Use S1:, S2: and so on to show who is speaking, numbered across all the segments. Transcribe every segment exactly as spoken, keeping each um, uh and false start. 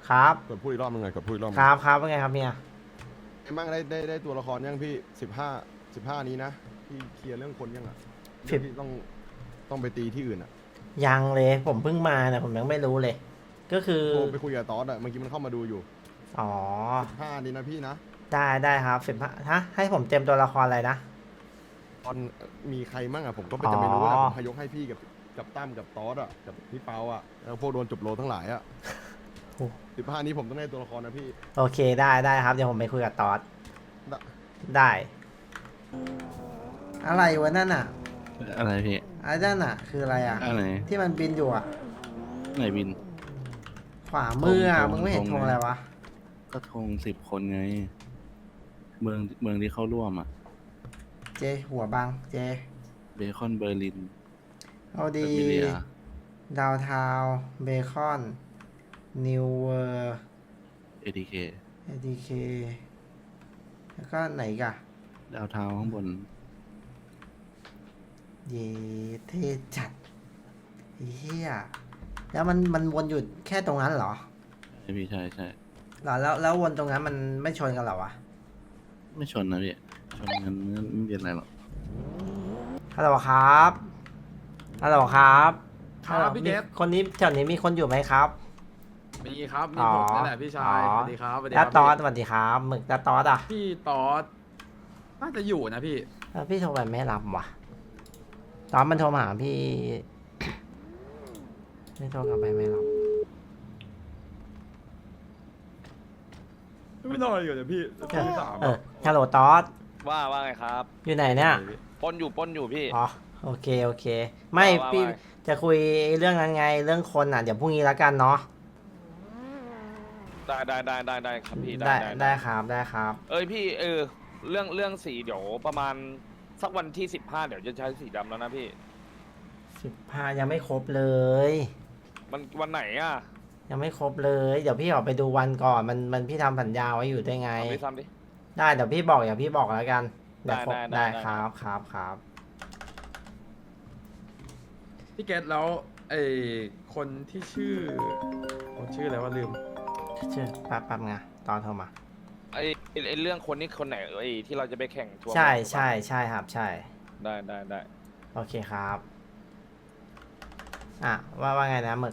S1: ครับ
S2: กดพูดอีกรอบนึงไงกดพูดอีกรอบนึ
S1: ค
S2: ง
S1: รับครับว่าไงครับเมีย
S2: ไอ้มั่งได้ได้ได้ตัวละครยังพี่สิบห้าสิบห้านี้นะพี่เคลียร์เรื่องคนยังอ่ะ
S1: สิบ
S2: พี่ต้องต้องไปตีที่อื่นอ่ะ
S1: ยังเลยผมเพิ่งมาเนี่ยผมยังไม่รู้เลย ก็คือ
S2: โทรไปคุยกับตอสอ่ะเมื่อกี้มันเข้ามาดูอยู่
S1: อ๋อ
S2: สิบห้านี้นะพี่นะ
S1: ได้ได้ครับสิบห้าฮะให้ผมเต็มตัวละครอะไรนะ
S2: ตอนมีใครมั่งอ่ะผมก็ไป
S1: อ๋อ
S2: จะไม่รู้นะผมพยกให้พี่กับกับตั้มกับตอสอ่ะกับพี่เปาอ่ะแล้วพวกโดนจบโลทั้งหลายอ่ะสิบห้านี้ผมต้องได้ตัวละครนะพี่
S1: โอเคได้ได้ครับเดี๋ยวผมไปคุยกับตอส
S2: ได้
S1: ได้ อะไรวะนั่นอ่ะ
S3: อะไรพี่
S1: ไอ้นั่นอ่ะ คืออะไรอ่ะ
S3: อะไร
S1: ที่มันบินอยู่อ่ะ
S3: ไหนบิน
S1: ขวามืออ่ะ
S3: ธง
S1: มึงไม่เห็น
S3: ธง
S1: ธงอะไรวะ
S3: ก็ธงสิบคนไง เมืองเมืองที่เข้าร่วมอ่ะ
S1: เจหัวบังเจ
S3: เบคอนเบอร์ลิน
S1: เอาดี
S3: แบมิเลีย
S1: ดาวทาวเบคอนนิวเวอร์
S3: เอทีเค
S1: เอดีเคแล้วก็ไหนอีกอะ
S3: ดาวเทาวน์ข้างบน
S1: เยเทจัดเฮียแล้วมันมันวนอยู่แค่ตรงนั้นเหรอ
S3: ใช่พี่ใช่ใช่
S1: เหรอแล้วแล้ววนตรงนั้นมันไม่ชนกันเหรอวะ
S3: ไม่ชนนะพี่ ชนกันไม่เป็นไรหรอก
S1: ฮัลโหลครับฮัลโหลครับ
S4: ครับ
S1: ฮัลโหล
S4: พี่
S1: มี
S4: เกต
S1: คนนี้แถวนี้มีคนอยู่ไหมครับ
S4: มีครับ มี
S1: อ๋อ
S4: ผมนั่นแหละพี่ชาย
S1: อ๋อ
S4: สวัสดีครับสวัสดี
S1: แล้
S4: คว รับ
S1: ตอสส
S4: พี่
S1: วัสดีครับหมึกแล้วตอสอ่ะ
S4: พี่ตอสน่าจะอยู่นะพี่
S1: แล้วพี่โทรไปไม่รับว่ะตอนมันโทรมาหาพี่ ไม่โทรกลับไปไม่รับ
S4: ไม่นอนอยู่เนี่ยพี่ที่สาม
S1: เออฮัลโหลตอส
S5: ว่าว่าไงครับ
S1: อยู่ไหนเนี่ย
S5: ปล้นอยู่ปล้นอยู่พี่
S1: อ๋อโอเคโอเค ไม่
S5: ว่า
S1: พี่
S5: ว่า
S1: จะคุยเรื่องนั้นไงเรื่องคนอ่ะเดี๋ยวพรุ่งนี้แล้วกันเนาะ
S5: ได้ได้ได้ได้ได้ครับพี่
S1: ได้ได้ครับได้ครับ
S5: เอ้ยพี่เออเรื่องเรื่องสีเดี๋ยวประมาณสักวันที่สิบห้าเดี๋ยวจะใช้สีดำแล้วนะพี่
S1: สิบห้ายังไม่ครบเลย
S5: มันวันไหนอ่ะ
S1: ยังไม่ครบเลย เดี๋ยวพี่ออกไปดูวันก่อนมันมันพี่ทำสัญญาไว้อยู่ด้วยไง
S5: เอาไปซ้ำดิ
S1: ได้เดี๋ยวพี่บอกอย่าพี่บอกแล้วกันเดี๋ยวครบ
S5: ได้ได้
S1: ได้
S5: ได้
S1: ครับครับครับ
S4: พี่เกตแล้วไอ้คนที่ชื่อคนชื่ออะไรว่าลืม
S1: ชื่อแป๊บแป๊บไงตอนโทรมา
S5: ไอ้ไอ้ไอ้เรื่องคนนี้คนไหนไอ้ที่เราจะไปแข่งทัวร์
S1: ใช่
S5: บอล
S1: ใช่ใช่ครับใช่
S5: ได้ได้ได้
S1: โอเคครับอ่ะว่าว่าไงนะหมึก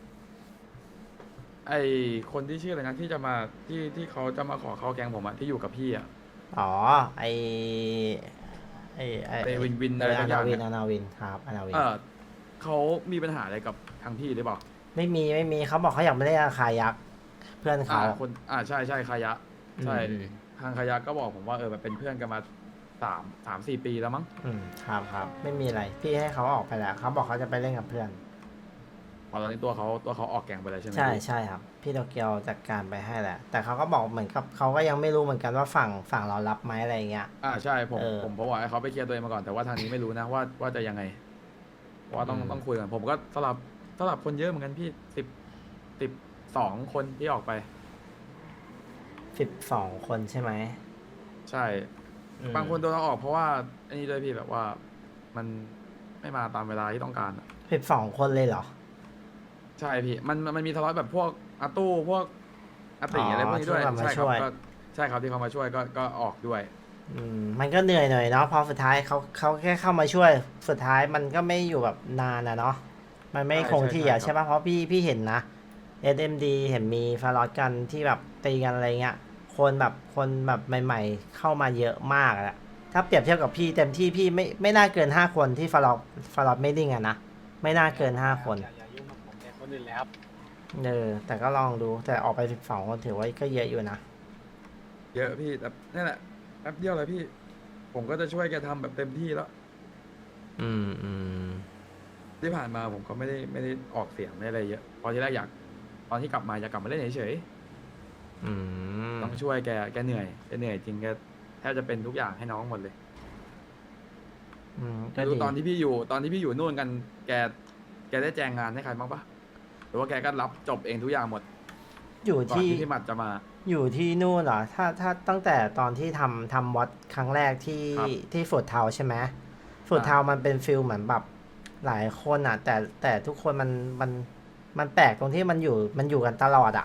S4: ไอ้คนที่ชื่ออะไรนะที่จะมาที่ที่เขาจะมาขอเข้าแกงผมอะที่อยู่กับพี่อะ
S1: อ๋อไอไอไอ
S4: ไอ้วินวิน
S1: เอ
S4: อะไร
S1: อ
S4: สั
S1: อาก
S4: อย่า
S1: นาง วิน
S4: เนี่ย
S1: อานาวินครับอานาวิน
S4: เออเขามีปัญหาอะไรกับทางพี่หรือเปล่า
S1: ไม่มีไม่มีเขาบอกเขาอยากไม่ได้ราคายักษ์เพื่อน
S4: อ่า
S1: เขา
S4: คนอ่าใช่ใช่คายะใช่
S1: อืม
S4: ทางคายะก็บอกผมว่าเออมันเป็นเพื่อนกันมาสามสามสี่ปีแล้วมั้ง
S1: อืมครับครับไม่มีอะไรพี่ให้เขาออกไปแล้วเขาบอกเขาจะไปเล่นกับเพื่อน
S4: พอตอนนี้ตัวเขาตัวเขาออกแกงไปแล้วใช่ไหม
S1: ใช่
S4: พี่
S1: ใช่ครับ พี่โตเกียวจัดการไปให้แหละแต่เขาก็บอกเหมือนกับเขาก็ยังไม่รู้เหมือนกันว่าฝั่งฝั่งเรารับไหมอะไรเงี้ย
S4: อ่าใช่ผม
S1: เออ
S4: ผมผมบอกให้เขาไปเคลียร์ตัวเองมาก่อนแต่ว่าทางนี้ไม่รู้นะว่าว่าจะยังไงเพราะว่าต้อง
S1: อืม
S4: ต้องคุยกันผมก็สลับสลับคนเยอะเหมือนกันพี่สิบสิบสองคนที่ออกไป
S1: สิบสองคนใช่ไหม
S4: ใช่
S1: อืม
S4: บางคนโดนเอาออกเพราะว่าอันนี้ด้วยพี่แบบว่ามันไม่มาตามเวลาที่ต้องการอะ
S1: สิบสองคนเลยเหรอ
S4: ใช่พี่มันมันมีทะเลาะแบบพวกอาตู้พวกอาติ
S1: อ๋ออ
S4: อะไรพวกนี้ด้วย
S1: ที่เขามา
S4: ใช่ค
S1: ช่
S4: รับ
S1: วย
S4: ก็ใช่ครับที่เขามาช่วยก็ก็ออกด้วย
S1: อืมมันก็เหนื่อยหน่อยเนาะพอสุดท้ายเขาเขาแค่เข้ามาช่วยสุดท้ายมันก็ไม่อยู่แบบนานนะเนาะมันไม่
S4: ใช่
S1: คงที่อ่ะ
S4: ใช่
S1: ใช่
S4: ครับ
S1: ปะเพราะพี่พี่เห็นนะ เอส เอ็ม ดี เห็นมีฟาร์ลอตกันที่แบบตีกันอะไรเงี้ยคนแบบคนแบบใหม่ๆเข้ามาเยอะมากอะถ้าเปรียบเทียบกับพี่เต็มที่พี่ไม่ไม่น่าเกินห้าคนที่ฟาร์ลอตฟาร์ลอตไม่ดิ้งอะนะไม่น่าเกินห้าคน
S6: อย่าอย่ายุ่งกับผมแต่คนอื่นแล้ว
S1: เออแต่ก็ลองดูแต่ออกไปสิบสองคนถือว่าก็เยอะอยู่นะ
S4: เยอะพี่แต่นี่แหละแป๊บเดียวเลยพี่ ผมก็จะช่วยแกทำแบบเต็มที่แล้ว
S1: อืมอืม
S4: ที่ผ่านมาผมก็ไม่ได้ไม่ได้ออกเสียงไม่ได้อะไรเยอะเพอที่แรกอยากตอนที่กลับมาอยากกลับมาเล่นเฉย
S1: อืม
S4: ๆต้องช่วยแกแกเหนื่อยแกเหนื่อยจริงแกแทบจะเป็นทุกอย่างให้น้องหมดเลย
S1: อืมก็
S4: ไม่รู้
S1: ดี
S4: ตอนที่พี่อยู่ตอนที่พี่อยู่นู่นกันแกแกได้แจงงานให้ใครบ้างปะหรือว่าแกก็รับจบเองทุกอย่างหมด
S1: อยู่
S4: ก่อน
S1: ที่
S4: ที่พี่หมัดจะมา
S1: อยู่ที่นู่นเหรอ ถ้าถ้าตั้งแต่ตอนที่ทำทำวัดครั้งแรกที่
S4: ครับ
S1: ที่ฝูดเทาใช่ไหมฝูดเทามันเป็นฟิลเหมือนแบบหลายคนอ่ะ แต่แต่ทุกคนมันมันมันแปลกตรงที่มันอยู่มันอยู่กันตลอดอ่ะ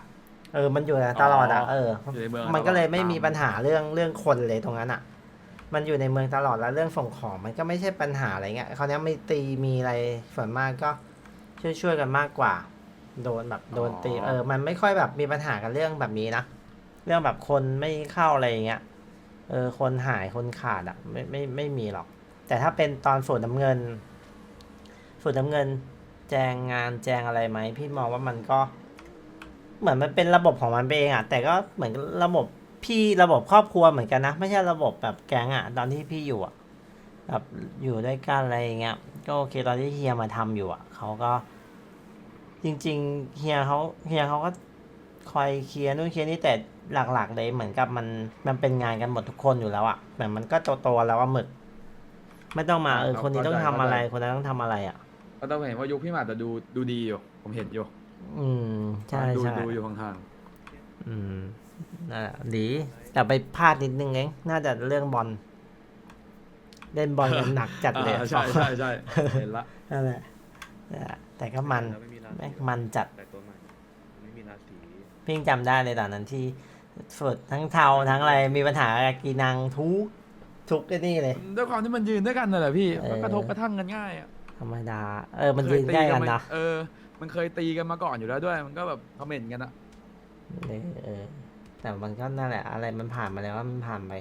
S1: เออมันอยู่ตลอดอ่ะเออ
S4: อยู่ในเมือง
S1: มันก็เลยไม่
S4: ตาม
S1: มีปัญหาเรื่องเรื่องคนเลยตรงนั้นอ่ะ มันอยู่ในเมืองตลอดแล้วเรื่องส่งของมันก็ไม่ใช่ปัญหาอะไรเงี้ยเขาวเนี้ยไม่ตีมีอะไรส่วนมากก็ช่วยช่วยๆกันมากกว่า โดนแบบโดนตีเออมันไม่ค่อยแบบมีปัญหากันเรื่องแบบนี้นะเรื่องแบบคนไม่เข้าอะไรอย่างเงี้ยเออคนหายคนขาดอ่ะไม่ไม่ไม่มีหรอก แต่ถ้าเป็นตอนสูตรน้ำเงินสูตรน้ำเงิน แจงงานแจงอะไรไหมพี่มองว่ามันก็ เหมือนมันเป็นระบบของมันไปเองอ่ะแต่ก็เหมือนระบบพี่ระบบครอบครัวเหมือนกันนะไม่ใช่ระบบแบบแก๊งอ่ะตอนที่พี่อยู่อ่ะแบบอยู่ด้วยกันอะไรอย่างเงี้ยก็โอเคตอนที่เฮียมาทำอยู่อ่ะเขาก็ จริงๆเฮียเขาเฮียเขาก็คอยเคลียร์นู่นเคลียร์นี่แต่หลักๆเลยเหมือนกับมันมันเป็นงานกันหมดทุกคนอยู่แล้วอ่ะเหมือนมันก็โตๆแล้วว่าหมึก ไม่ต้องมาเออคนนี้ต้องทำอะไรคนนั้นต้องทำอะไรอ่ะ
S4: ก็ต้องเห็นว่ายุคพี่หมาดจะดูดูดีอยู่ ผมเห็นอยู่
S1: อืมใช่
S4: ดู
S1: ใช่
S4: ดูอยู่ห่าง
S1: อืมนั่นแหละดีแต่ไปพลาดนิดนึงเองน่าจะเรื่องบอลเล่นบอลกันหนักจัด
S4: ๆ
S1: เลย
S4: อ่าใช่ใช่ใช่เห็นละ
S1: นั่นแหละนั่นแหละแต่ก็มัน
S3: แล้วไม่มีราศี
S1: แม่งมันจัด
S3: แต่ตัวใหม่ไม่มีราศี
S1: พี่ยังจำได้เลยตอนนั้นที่สุดทั้งเทาทั้งอะไรมีปัญหากับกีนังทุกทุกไอ้นี่เลย
S4: ด้วยความที่มันยืนด้วยกันน่ะแหละพี่
S1: เออ
S4: มันกระทบกระทั่งกันง่ายอะ
S1: ธรรมดา เออมันยืนใกล้กัน
S4: มา
S1: นะ
S4: เออ มันเคยตีกันมาก่อนอยู่แล้วด้วย มันก็แบบคอมเมนต์กันอะ
S1: เออเออ แต่มันก็นั่นแหละ อะไรมันผ่านมาแล้วว่ามันผ่านไป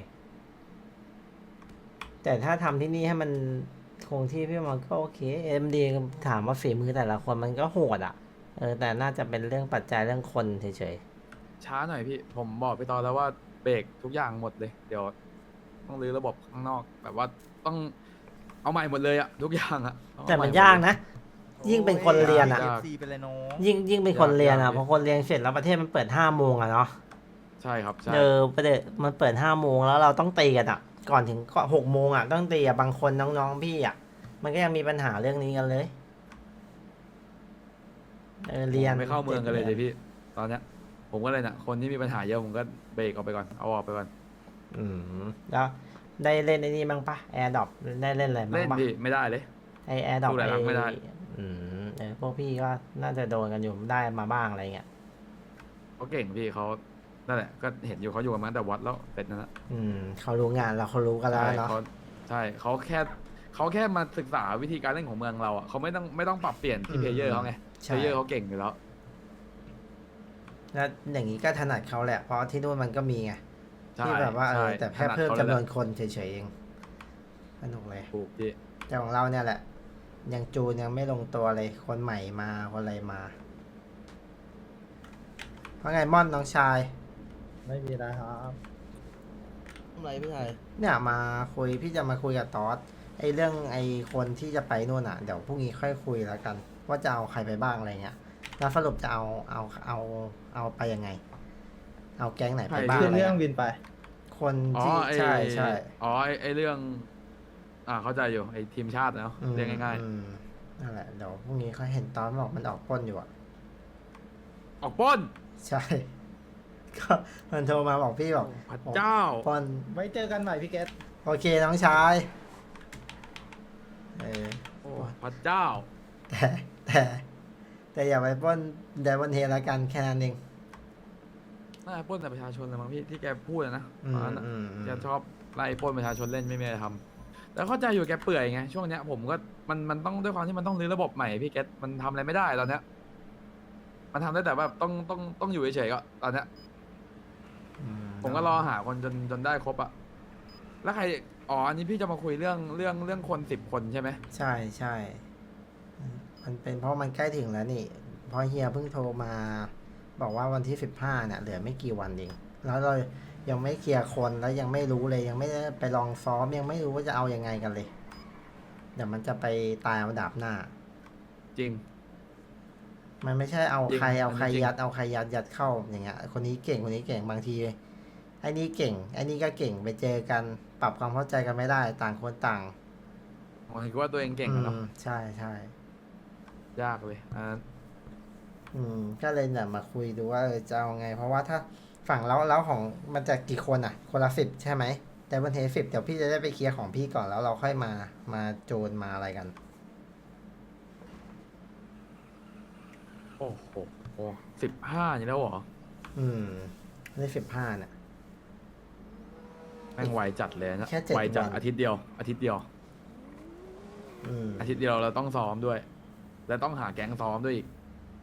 S1: แต่ถ้าทำที่นี่ให้มันคงที่พี่มันก็โอเคเอ็มดีถามว่าฝีมือแต่ละคนมันก็โหดอ่ะ เออ แต่น่าจะเป็นเรื่องปัจจัยเรื่องคนเฉย
S4: ช้าหน่อยพี่ ผมบอกไปตอนแล้วว่าเบรกทุกอย่างหมดเลย เดี๋ยวต้องรื้อระบบข้างนอก แบบว่าต้องเอาใหม่หมดเลยอะทุกอย่างอะต้อง
S1: ๆ แต่
S4: เอให
S1: มัน
S4: หด
S1: ยาก
S4: เล
S1: นะ ยิ่งเป็นคนเรียนอ่ะ
S4: ยาก
S6: ไปเลยน้อง
S1: ยิ่งยิ่งเป็นคนเรียน
S4: ยา
S1: อ่ะ
S4: ก
S1: เพราะคนเรียนเสร็จแล้วประเทศมันเปิดห้าโมงอ่ะเนาะ
S4: ใช่ครับ ใช่
S1: เออประเด็นมันเปิดห้าโมงแล้วเราต้องตีกันอ่ะ ก่อนถึงก็หกโมงอ่ะต้องตีอ่ะบางคนน้องๆพี่อ่ะ มันก็ยังมีปัญหาเรื่องนี้กันเลย เออเรียน
S4: ไม่เข้าเมืองกันเลยเลยพี่ ตอนเนี้ย ผมก็เลยน่ะ คนที่มีปัญหาเยอะผมก็เบรกออกไปก่อน เอาออกไปก่อน
S1: อืมแล้วได้เล่นไอ้นี่บ้างปะแอร์ดอปได้เล่นอะไรบ้า
S4: เล่
S1: ง
S4: น
S1: ปะ
S4: พี่ไม่ได้เลย
S1: ไอแอร์ดอป
S4: สู้หลายครั้งไม่ได้
S1: อืมเออพวกพี่ก็น่าจะโดนกันอยู่ได้มาบ้างอะไรเงี้ย
S4: เขาเก่งพี่เขานั่นแหละ ก็เห็นอยู่เขาอยู่กันมาตั้งแต่วัดแล้วเป็ดนั่นแหละ
S1: อืมเขารู้งานเราเขารู้กันแล้ว
S4: ใช่
S1: เนาะ
S4: เขาใช่เขาแค่เขาแค่มาศึกษาวิธีการเล่นของเมืองเราอ่ะเขาไม่ต้องไม่ต้องปรับเปลี่ยนที่เพลเยอร์เขาไงเพ
S1: ใช่
S4: ลเยอร์เขาเก่งอยู่แล้ว
S1: แล้วอย่างนี้ก็ถนัดเขาแหละ เพราะที่นู่นมันก็มีไง
S4: ใช่
S1: ที่แบบว่าเออ
S4: ใช่
S1: แต่แค่
S4: ถนัด
S1: เพิ่ม
S4: ขา
S1: จำน
S4: ลย
S1: วน
S4: แหละ
S1: คนเฉยๆเองสนุกเลย
S4: ถูกพี่
S1: แต่ของเราเนี่ยแหละ ยังจูนยังไม่ลงตัวเลย คนใหม่มาคนอะไรมาเพราะไงม่อนน้องชาย
S6: ไม่มีนะครับ
S2: ทำไรพี่ชาย
S1: เนี่ยมาคุยพี่จะมาคุยกับตอสไอเรื่องไอคนที่จะไปนู่นอ่ะเดี๋ยวพรุ่งนี้ค่อยคุยแล้วกัน ว่าจะเอาใครไปบ้างอะไรเงี้ยแล้วสรุปจะเอาเอาเอาเอาไปยังไง เอาแก๊งไหนไปบ้าง
S6: ขึ้น
S1: อะไร
S6: เรื่อง
S1: เงี้ย
S6: บินไป
S1: คน
S4: อ๋อ
S1: ที่
S4: ไอ
S1: ใช่ใช่
S4: อ๋อไอไอเรื่อง อ่าเข้าใจอยู่ไอทีมชาติเนาะ
S1: อืม
S4: เรียกง่าย
S1: อืมนั่นแหละเดี๋ยวพรุ่งนี้เขาเห็นตอนบอกมันออกปล้นอยู่อ่ะ
S4: ๆ ออกปล้น
S1: ใช่ ก็มันโทรมาบอกพี่บอก
S4: พระเจ้า
S1: ปล้น
S6: ไว้เจอกันใหม่พี่เกต
S1: โอเคน้องชายเออ
S4: โอ้พระเจ้า
S1: แต่แต่แต่อย่าไปปล้นเดวอนเฮละกันแค่นั้นเอง
S4: น่าจะปล้นแต่ประชาชนเลยมั้งพี่ที่แกพูดอะนะ
S1: อืม
S4: ตอนนั้นอะ
S1: อืมอืม
S4: แกชอบไล่ปล้นประชาชนเล่นไม่มีอะไรทำแต่เข้าใจอยู่แกเปื่อยไงช่วงเนี้ยผมก็มันมันต้องด้วยความที่มันต้องรื้อระบบใหม่พี่เกตมันทำอะไรไม่ได้ตอนเนี้ยมันทำได้แต่แบบต้องต้องต้องอยู่เฉยๆก็ตอนเนี้ย
S1: อื
S4: ผมก็รอหาคนจนจนได้ครบอะแล้วใครอ๋ออันนี้พี่จะมาคุยเรื่องเรื่องเรื่องคนสิบคนใช่ไหม
S1: ใช่ใช่มันเป็นเพราะมันใกล้ถึงแล้วนี่เพราะเฮียเพิ่งโทรมา บอกว่าวันที่สิบห้าเนี่ยเหลือไม่กี่วันเองแล้วเรายังไม่เคลียร์คนแล้วยังไม่รู้เลยยังไม่ได้ไปลองซ้อมยังไม่รู้ว่าจะเอายังไงกันเลยเดี๋ยวมันจะไปตายเอาดาบหน้า
S4: จริง
S1: มันไม่ใช่เอา
S4: จริง
S1: ใครเอา
S4: มัน
S1: ใคร
S4: จริง
S1: ยัดเอาใครยัดยัดเข้าอย่างเงี้ยคนนี้เก่งคนนี้เก่งบางทีไอ้นี่เก่งไอ้นี่ก็เก่งไปเจอกันปรับความเข้าใจกันไม่ได้ต่างคนต่าง
S4: ผมคิดว่าตัวเองเก่งอะเนาะ
S1: อืมใช่ใช่
S4: ยากเลยอันนั้น
S1: อืมก็เลยเนี่ยมาคุยดูว่าเออจะเอาไง เพราะว่าถ้าฝั่งแล้วแล้วของมันจะกี่คนอ่ะ คนละสิบใช่ไหมแต่วันเทสิบเดี๋ยวพี่จะได้ไปเคลียร์ของพี่ก่อนแล้วเราค่อยมามาโจนมาอะไรกัน
S4: โอ้โหสิบห้าอย่างนี้แล้วเหรอ
S1: อืมได้สิบห้าเนี่ย
S4: แม่งไวจัดเลยนะ
S1: แค่เจ็ด
S4: ไวจัด
S1: วัน
S4: อาทิตย์เดียว อาทิตย์เดียว
S1: อืม
S4: อาทิตย์เดียวเราต้องซ้อมด้วย และต้องหาแก๊งซ้อมด้วยอีก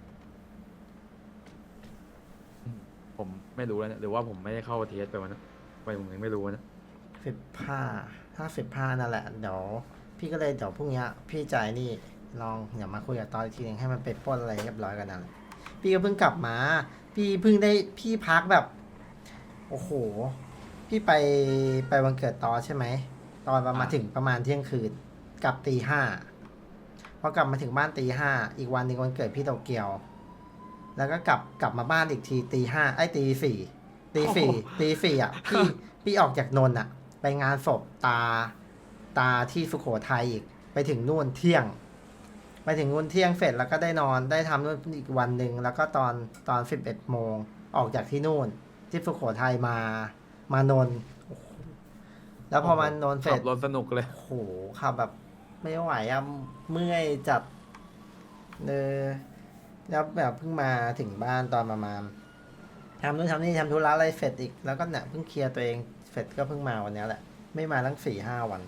S4: อืมผมไม่รู้แล้วเนี่ยหรือว่าผมไม่ได้เข้าเทสไปวันนั้นไปผมยังไม่รู้นะ
S1: สิบห้าถ้าสิบห้านั่นแหละ เดี๋ยว พี่ก็เลยเดี๋ยวพรุ่งนี้พี่จ่ายนี่ลองเดี๋ยวมาคุยกับตอนอีกทีนึงให้มันไปปล้นอะไรเรียบร้อยกันนั่นแหละพี่ก็เพิ่งกลับมา พี่เพิ่งได้พี่พักแบบ โอ้โห พี่ไปไปวันเกิดตอนใช่ไหม ตอนประมาณ
S4: อ่า
S1: ถึงประมาณเที่ยงคืนกลับตีห้าพอกลับมาถึงบ้านตีห้าอีกวันหนึ่งวันเกิดพี่โตเกียว แล้วก็กลับกลับมาบ้านอีกทีตีห้าไอ้ยตีสี่ตีสี่ตีสี่อ่ะพี่พี่ออกจากนนท์อ่ะ ไปงานศพตาตาที่สุโขทัยอีก ไปถึงนู่นเที่ยง ไปถึงนู่นเที่ยงเสร็จแล้วก็ได้นอนได้ทำนู่นอีกวันหนึ่งแล้วก็ตอนตอนสิบเอ็ดโมงออกจากที่นู่น ที่สุโขทัยมามานนท์โอ้โหแล้วพอมานนท์เสร็
S4: ขั
S1: จ
S4: บรถสนุกเลย
S1: โอ้โหขับแบบไม่ไหวอะเมื่อยจัดเออแล้วแบบเพิ่งมาถึงบ้านตอนประมาณทำนู่นทำนี่ทำธุระอะไรเสร็จอีกแล้วก็เนี่ยเพิ่งเคลียร์ตัวเองเสร็จก็เพิ่งมาวันเนี้ยแหละ ไม่มาตั้งสี่ห้าวัน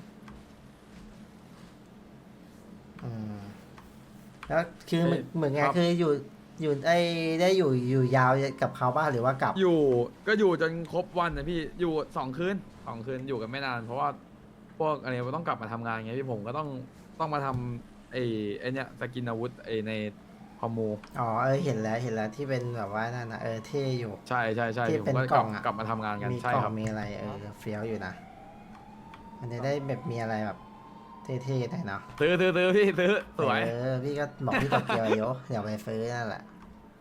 S1: อืมแล้วคือเหมือนเหมือนไง
S4: ครับ
S1: คืออยู่อยู่ได้ได้อยู่อยู่ยาวกับเขาบ้างหรือว่ากลับ
S4: อยู่ก็อยู่จนครบวันนะพี่อยู่สองคืนสองคืนอยู่กันไม่นาน เพราะว่าพวกอะไรต้องกลับมาทำงานไงพี่ผมก็ต้องต้องมาทำไอ้ไอ้เนี้ยสกินอาวุธไอ้ในคอมมู
S1: อ๋อเออเห็นแล้วเห็นแล้วที่เป็นแบบว่านั่นนะเออเท่อยู่
S4: ใช่ใช่ใช่
S1: ที่
S4: ผม
S1: เป็น
S4: ก็
S1: ก
S4: ก
S1: ล่
S4: ลั
S1: อบ งอะ
S4: กลับมาทำงานกัน
S1: มี
S4: ใช่
S1: กล่อ
S4: ครั
S1: ง
S4: บ
S1: มีอะไรเออเฟี้ยวอยู่นะ มันจะได้แบบมีอะไรแบบเท่ๆหน่อยเนาะ
S4: ซื้อซื้อซื้อพี่ซื้อสวย
S1: เออพี่ก็บอกพี่ตกเกียวโยเดี๋ยวไปซื้อนั่นแหละ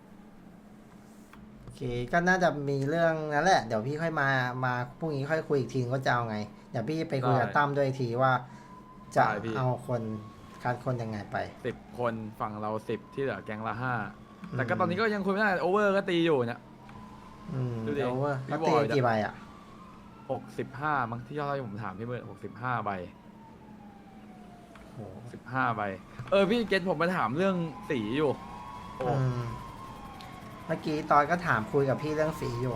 S1: โอเคก็น่าจะมีเรื่องนั้นแหละเดี๋ยวพี่ค่อยมามาพรุ่งนี้ค่อยคุยอีกทีว่าจะเอาไงเดี๋ยวพี่ไปคุยกับตั้มด้วยอีกทีว่า จะเอาคนการคนยังไงไป
S4: สิบคนฝั่งเราสิบที่เหลือแกงละห้า
S1: อืม
S4: แต่ก็ตอนนี้ก็ยังคุยไม่ได้โอเวอร์ก็ตีอยู่เนี่ย
S1: อืม
S4: ดูดิ
S1: เดี๋ยวว่า
S4: พี่
S1: เขา
S4: บ
S1: ตี
S4: อย
S1: กี่ใบอ่ะ
S4: หกสิบห้ามั้งที่ยอดที่ผมถามพี่เมื่อหกสิบห้าใบ
S1: โห
S4: สิบห้าใบ เออพี่เกตผมมาถามเรื่องสีอยู่โอ้
S1: อืมเมื่อกี้ตอนก็ถามคุยกับพี่เรื่องสีอยู่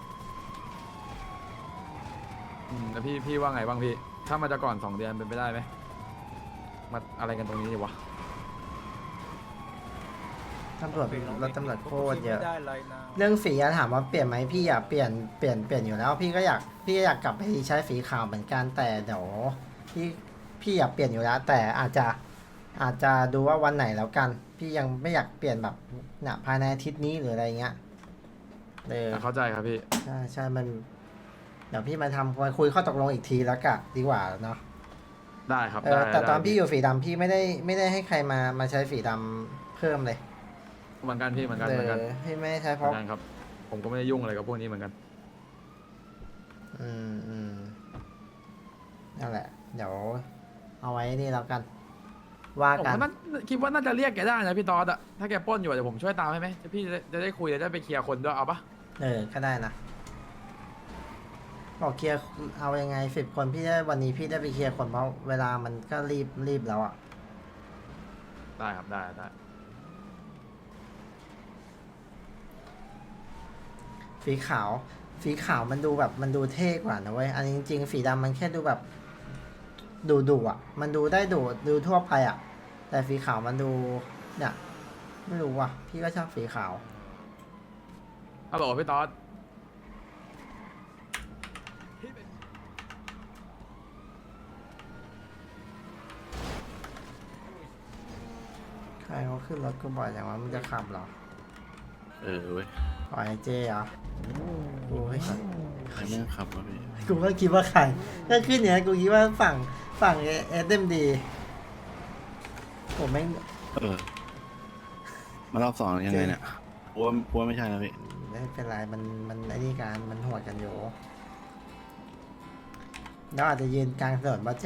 S4: อืมแล้วพี่พี่ว่าไงบ้างพี่ ถ้ามันจะก่อนสองเดือนเป็นไปได้ไหมมาอะไรกันตรงนี้ดีวะ
S1: ตำรวจรถตำรวจโคตรเยอะ เรื่องสีอะถามว่าเปลี่ยนไหมพี่อยากเปลี่ยนเปลี่ยนเปลี่ยนอยู่แล้ว พี่ก็อยากพี่ก็อยากกลับไปใช้สีขาวเหมือนกันแต่เดี๋ยวพี่พี่อยากเปลี่ยนอยู่แล้ว แต่อาจจะอาจจะดูว่าวันไหนแล้วกัน พี่ยังไม่อยากเปลี่ยนแบบเนี่ยภายในอาทิตย์นี้หรืออะไรเงี้ยเออ
S4: เข้าใจครับพี่
S1: ใช่ใช่มัน เดี๋ยวพี่มาทำมาคุยข้อตกลงอีกทีแล้วกะดีกว่าเนาะ
S4: ได้ครับ
S1: เอ
S4: ได้
S1: อแต่ตอน
S4: ได้
S1: พี่อยู่สีดำพี่ไม่ได้ไม่ได้ให้ใครมามาใช้สีดำเพิ่มเลย
S4: เหมือนกันพี่เหมือนกัน
S1: เอ
S4: เหมือนกัน
S1: อพี่ไม่ได้ใช้
S4: เห
S1: เพ
S4: มือ
S1: ราะ
S4: นกันครับ ผมก็ไม่ได้ยุ่งอะไรกับพวกนี้เหมือนกัน
S1: อืมอืมนั่นแหละ เดี๋ยว เอาไว้นี่แล้วกัน ว่า
S4: ผม
S1: กัน
S4: ก็น่าคิดว่าน่าจะเรียกแกได้นะพี่ตอดอะถ้าแกปล้นอยู่อะเดี๋ยวผมช่วยตามให้ไหมพี่จะได้จะได้คุยจะได้ไปเคลียร์คนด้วยเอาปะ
S1: เออก็ได้นะบอกเคลียร์เอายังไงสิบคนพี่ได้วันนี้พี่ได้ไปเคลียร์คนเพราะเวลามันก็รีบรีบแล้วอ่ะ
S4: ได้ครับได้ได้
S1: สีขาวสีขาวมันดูแบบมันดูเท่กว่านะเว้ยอันนี้จริงๆสีดำมันแค่ดูแบบดูดุอ่ะ มันดูได้ดูดูทั่วไปอ่ะ แต่สีขาวมันดูเนี่ยไม่รู้ว่ะ พี่ก็ชอบสีขาว
S4: ฮัลโหลพี่ตอด
S1: ใครเขาขึ้นรถกูบ่อยอย่างว่ามึงจะขับเหรอ
S3: เออเว้ย
S1: ปล่อยไอ้เจ๊เหรอโอ้ย
S3: ใครแม่งขับวะพี่
S1: กูก็คิดว่าใครก็ขึ้นอย่างนี้กูคิดว่าฝั่งฝั่งเอสเอ็มดีผมไม่ง
S3: เออ มารอบสองยังไงเนี่ยกลัวกลัวไม่ใช่นะพี่
S1: ไม่เป็นไรมันมันไอ้นี่การมันหวดกันอยู่แล้วอาจจะยืนกลางถนนป่ะเจ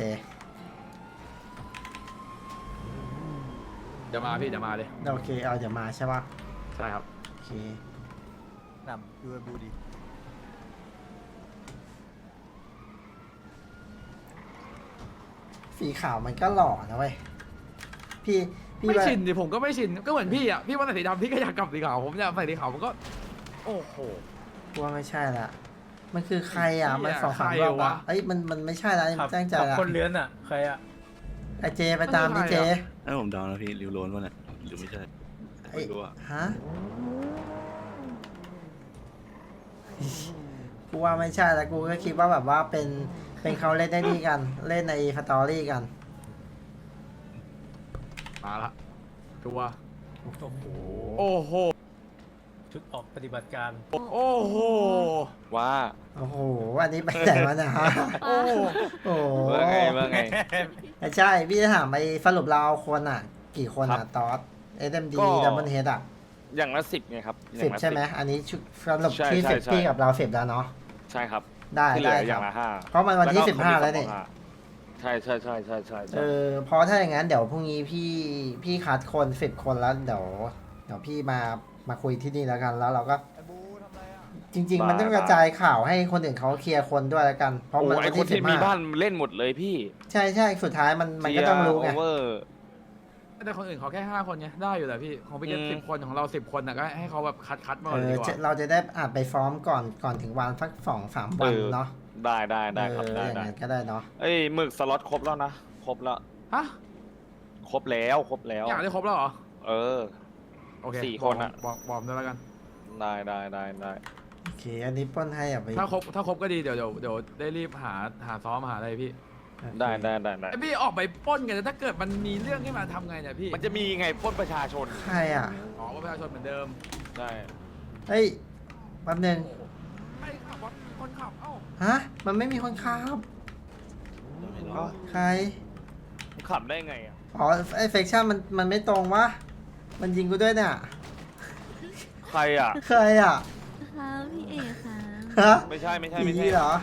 S4: เดี๋ยวมาพี่เดี๋ยวมาเลย
S1: โอเคเอาเดี๋ยวมาใช่ป่ะ
S4: ใช่ครับ
S1: โอเคน
S7: ำดูบูดี
S1: สีขาวมันก็หล่อนะเว้ยพี่พี่
S4: ไม่
S1: ว่า
S4: ชินดิผมก็ไม่ชินก็เหมือนพี่อ่ะพี่ว่าใส่สีดำพี่ก็อยากกลับสีขาวผมอยากใส่สีขาวมันก็โอ้โห
S1: กูว่าไม่ใช่ละมันคือใครอ่ะ
S4: ไอ้เหี้ย
S1: มันสองสาม
S4: ใคร
S1: รอบ
S4: วะ
S1: อ่ะเอ้ยมันมันไม่ใช่ละ
S7: ขับ
S1: แจ้งใจ
S7: ขับ
S1: ละ
S7: คนเลื้อนอ่ะ ใครอ่ะ
S1: ไอเจไปตามดิเจ
S3: ไอ้ผมเดานะพี่ริวโรนวะเนี่ยหรือไม่ใช่
S1: ไอ้
S3: ไม่รู้อะ
S1: ฮะกูว่าไม่ใช่แล้วกูก็คิดว่าแบบว่าเป็นเป็นเขาเล่นได้นี่กันเล่นในสตอรี่กัน
S4: มาละตัว
S7: โอ้โห
S4: โอ้โห
S7: ชุดออกปฏิบัติการ
S4: โอ้โห
S5: ว่า
S1: โอ้โหอันนี้ไปไหนมาเนี่ยฮะ
S4: โอ้โห
S1: โอ้โห
S5: ว่าไงว่าไง
S1: ไม่ใช่พี่จะถามไปสรุปเราเอาคนอ่ะ กี่คน
S5: ครั
S1: อ่ะ
S5: บ
S1: ตอสเอ็มดี
S5: ก็
S1: ดับเบิลเฮดอ่ะ
S5: อย่างละสิบไงครับอย่า
S1: สิ
S5: ง
S1: บ
S5: ละ
S1: ใช่ไหมอันนี้ชุดสรุป
S5: ใช่
S1: ที่
S5: ใช่
S1: สิบ
S5: ใช่
S1: พี่กับเราสิบแล้วเนาะ
S5: ใช่ครับ
S1: ได้
S5: ที่เหลื
S1: ได้
S5: ออ
S1: ค
S5: ย่า
S1: รับ
S5: งละห้า
S1: เพราะมันวันที่
S5: ก็
S1: สิบห้า
S5: เขมี
S1: แล้วนี่
S5: สองห้าใช่ใช่ใช่ใช่ใช่
S1: เอ
S5: ใช่
S1: อเพราะถ้าอย่างนั้นเดี๋ยวพรุ่งนี้พี่พี่คัดคนสิบคนแล้วเดี๋ยวเดี๋ยวพี่มามาคุยที่นี่แล้วกันแล้วเราก็ จริง ๆ มันต้องกระจายข่าวให้คนอื่นเขาเคลียร์คนด้วยแล้วกัน เพราะ
S5: โอ้
S1: มัน
S5: ไอ
S1: วัน
S5: คน
S1: ที่สิ
S5: ที่
S1: บ
S5: มี
S1: ห้า
S5: บ้านเล่นหมดเลยพี่
S1: ใช่ใช่สุดท้ายมันมันก็ต้องรู้ไง
S5: โอเวอร์
S4: แต่คนอื่นเขาแค่ห้าคนไงได้อยู่แหละพี่ของพี่เกต
S5: อืม
S4: สิบคนของเราสิบคนน่ะก็ให้เขาแบบคัดคัดมา
S1: เอ
S4: ก่อน
S1: อ
S4: ดีกว่า
S1: จะเราจะได้อาจไปฟ้อมก่อนก่อนถึงวันสักสองสามวันเนาะ
S5: ได้ได้ได้ครับ
S1: เออ
S5: ได้
S1: อย่าง
S5: ได้
S1: นั้นก็ได้เนาะ
S5: เอ้ยหมึกสล็อตครบแล้วนะครบแล้ว
S4: ฮะ
S5: ครบแล้วครบแล้ว
S4: อยากได้ครบแล้วเหรอ
S5: เออ
S4: โอเค
S5: สี่คนอะ
S4: บอกบอกด้วยแล้วกัน
S5: ได้ได้ได้ได้
S1: โอเคอันนี้ปล้นให้อ่ะไป
S4: ถ้าครบถ้าครบก็ดีเดี๋ยวเดี๋ยวเดี๋ยวได้รีบหาหาซ้อมหาอะไรพี่
S5: ได้ได้ได้ได้
S4: ไอพี่ออกไปปล้นกันแต่ถ้าเกิดมันมีเรื่องขึ้นมาทำไงเนี่ยพี่
S5: มันจะมีไงปล้นประชาชน
S1: ใครอ่ะ
S4: อ๋อว่าประชาชนเหมือนเดิม
S5: ได้
S1: เฮ้ยแป๊บนึง
S4: ใครขับวะคนขับเอ้า
S1: ฮะมันไม่มีคนขับ
S5: เอ้า
S1: ใคร
S5: ขับได้ไงอ่ะ
S1: อ๋อไอเฟคชั่นมันมันไม่ตรงวะมันยิงกูด้วยเนี่ย
S5: ใครอ่ะ
S1: ใครอ่ะ
S8: ค่ะพี่เอกค่ะ
S1: ฮะ
S5: ไม่ใช่ไม่ใช่ไม่
S1: ผี
S5: ใช่
S1: เหรอ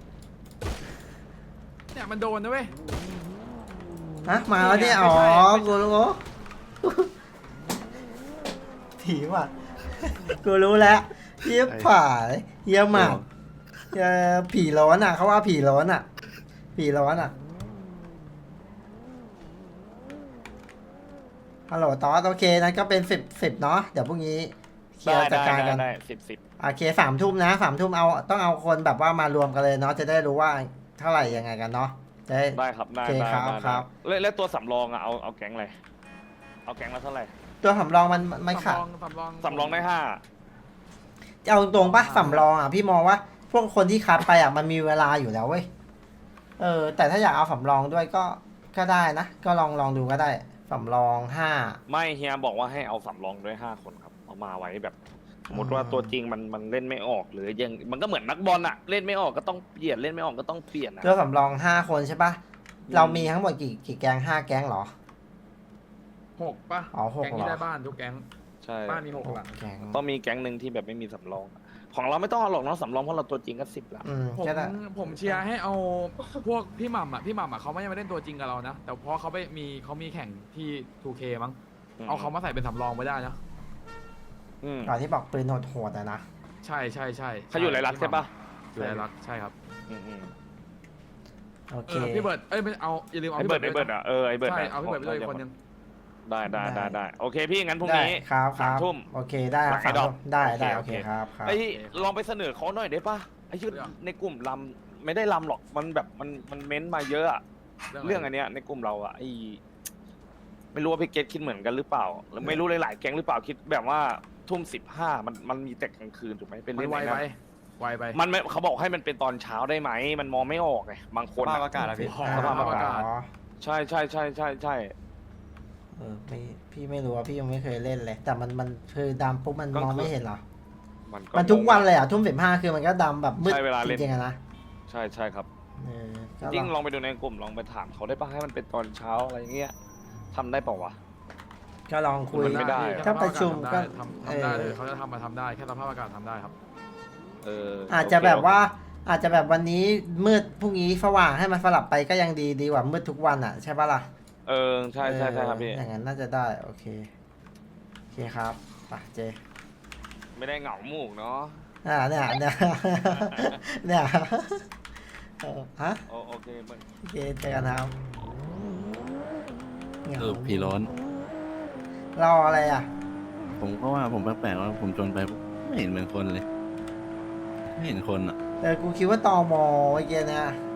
S4: เนี่ยมันโดนนะเว้ย
S1: ฮะมาแล้วเนี่ย
S4: ไม่
S1: อ๋อ
S4: ใช่ไม่ใช่
S1: กูรู้ผีว่ะกูรู้แล้วเยี่ยผายเยี่ยหมากเยี่ยผีร้อนอ่ะเขาว่าผีร้อนอ่ะ ผีร้อนอ่ะฮัลโหลตอสโอเคนั้นก็เป็นสิบสิบเนาะเดี๋ยวพรุ่งนี้เคลีย
S5: ได้
S1: ร์จัด
S5: ได้
S1: การ
S5: ได้
S1: กัน
S5: ได้สิบสิบ
S1: โอเคสามทุ่มนะสามทุ่มเอาต้องเอาคนแบบว่ามารวมกันเลยเนาะจะได้รู้ว่าเท่าไหร่ยังไงกันเนาะจะได้
S5: ได้ครับได้
S1: โอเค
S5: ได้
S1: ครับ
S5: ได้
S1: ครับ
S5: แล้วแล้วตัวสำรองอ่ะเอาเอาแก๊งอะไรเอาแก๊งละเท่าไหร่
S1: ตัวสำรองมันมันขาด
S4: สำรองสำรอง
S5: สำรองได้ห้า
S1: จะเอาตรงปะสำรองอ่ะพี่มองว่า พวกคนที่คัดไปอ่ะมันมีเวลาอยู่แล้วเว้ยเออแต่ถ้าอยากเอาสำรองด้วยก็ก็ได้นะ ก็ลองลองดูก็ได้สำรองห้า
S5: ไม่เฮียบอกว่าให้เอาสำรองด้วยห้าคนครับเอามาไว้แบบสมมติว่า
S1: อืม
S5: ตัวจริงมันมันเล่นไม่ออกหรือยังมันก็เหมือนนักบอลอะเล่นไม่ออกก็ต้องเปลี่ยนเล่นไม่ออกก็ต้องเปลี่ยนอะ
S1: ตัวสำรองห้าคนใช่ปะเรามีทั้งหมดกี่กี่แก๊งห้าแก๊งเหรอ
S4: หกปะ
S1: อ๋อหก
S4: แก๊ง
S1: เหรอ
S4: ที่ได้บ้านทุกแก๊ง
S5: ใช่
S4: บ้านมีหก
S1: หก
S4: หลัง
S1: แก๊ง
S5: ต้องมีแก๊งหนึ่งที่แบบไม่มีสำรอง ของเราไม่ต้องเอาหรอกเนาะสำรองเพราะเราตัวจริงก็สิบละ
S1: อืม
S4: ผม
S1: ก็ได้
S4: ผมเชียร์ให้เอาพวกพี่หม่ำอ่ะพี่หม่ำอ่ะเขาไม่ได้มาเล่นตัวจริงกับเรานะ แต่เพราะเขาไปมีเขามีแข่งที่ ทูเค มั้งเอาเขามาใส่เป็นสำรองไว้ได้นะ
S5: อืม
S1: ก่อนที่บอกปืนโหดๆอะนะ
S4: ใช่ใช่ใช่
S5: เขาอยู่ไรลักษณ์ใช่ปะ
S4: อยู่ไรลักษณ์ใช่ครับ
S5: อืมอืม
S1: โอ
S4: เอ
S1: เค
S4: อพี่เบิร์ดเอ้ยไม่เอาอย่าลืมเอา
S5: ไอ้
S4: พี่
S5: เบิ
S4: เบิ
S5: ร์
S4: ร์
S5: ด
S4: ด
S5: ไอ้เบิร์ดอะเออไอ้เบิร์ด
S4: ใช่
S5: อะ
S4: เอาพี่เบิร์ดไปด้วยอีกคนนึง
S5: ได้ได้ได้ได้โอเคพี่งั้นพรุ่ง
S1: ได้
S5: นี้
S1: ครับค
S5: สาม
S1: รับ
S5: ทุ่ม
S1: โอเคได้ครับ
S5: หลังไอ้ดอก
S1: สามทุ่มได้ได้
S5: โอ
S1: โอ
S5: เค
S1: เคครับครับ
S5: ไอ้ลองไปเสนอเขาหน่อยได้ปะไอ้ชื่อในกลุ่มลำไม่ได้ลำหรอกมันแบบมันมันเม้นต์มาเยอะอะ เรื่องอันเนี้ยในกลุ่มเราอะไอไม่รู้ว่าพี่เกตคิดเหมือนกันหรือเปล่าหรือไม่รู้หลายๆแก๊งหรือเปล่าคิดแบบว่าทุ่มสิบห้ามันมันมีแต่กลางคืนถูกไหมเป็น
S4: มัน
S5: เล่น
S4: ไว
S5: ไหน
S4: ไป
S5: นะ
S4: ไวไป
S5: มันไม่เขาบอกให้มันเป็นตอนเช้าได้ไหมมันมองไม่ออกไงบางคน
S7: สภาพ
S5: อะ
S7: อากาศอะพี่
S4: อ๋อ
S1: อ่า
S4: สภาพอากาศ
S1: อ๋อ
S5: ใช่ใช่ใช่ใช่ใช่
S1: เออไม่พี่ไม่รู้ว่าพี่ยังไม่เคยเล่นเลย แต่มันมันคือดำปุ๊บมันมองไม่เห็นเหรอ
S5: มันก็
S1: มันทุกวันเลยอ่ะทุ่มสิบห้าคือมันก็ดำแบบมืด
S5: ใช่เวลา
S1: จ
S5: เล่น
S1: ริงๆอะนะ
S5: ใช่ใช่ครับ
S1: เออก็
S5: ยิ่ง
S1: ล
S5: ล
S1: อง
S5: องไปดูในกลุ่มลองไปถามเขาได้ปะให้มันเป็นตอนเช้าอะไรเงี้ยทำได้เปล่าวะ
S1: ก็ลองคุย
S5: มันไม่ได้
S1: ถ้าประชุมก็
S4: ทำทำได้
S1: เออ
S4: เลยเขาจะทำมาทำได้แค่สภาพอากาศทำได้ครับ
S5: เออ
S1: อาจจะแบบว่าอาจจะแบบวันนี้มืดพรุ่งนี้สว่างให้มันสลับไปก็ยังดีดีกว่ามืดทุกวันอ่ะใช่ปะล่ะ
S5: เออใช่ใช่ใช่ครับพี่
S1: เอออย่างนั้นน่าจะได้โอเคโอเคครับไปเจ
S5: ไม่ได้เหงาหมูกเนาะ
S1: อ่าเนี่ยเนี่ย เนี่ยเออฮะ
S5: โอโอเคมัน
S1: โอเคเจอกันครับเหงา
S3: เออผีร้อน
S1: รออะไรอ่ะ
S3: ผมก็ว่าผมแปลกๆว่าผมจนไปไม่เห็นเป็นคนเลย ไม่เห็นคนอ่ะ
S1: เออกูคิดว่าตอมอเมื่อกี้เนะ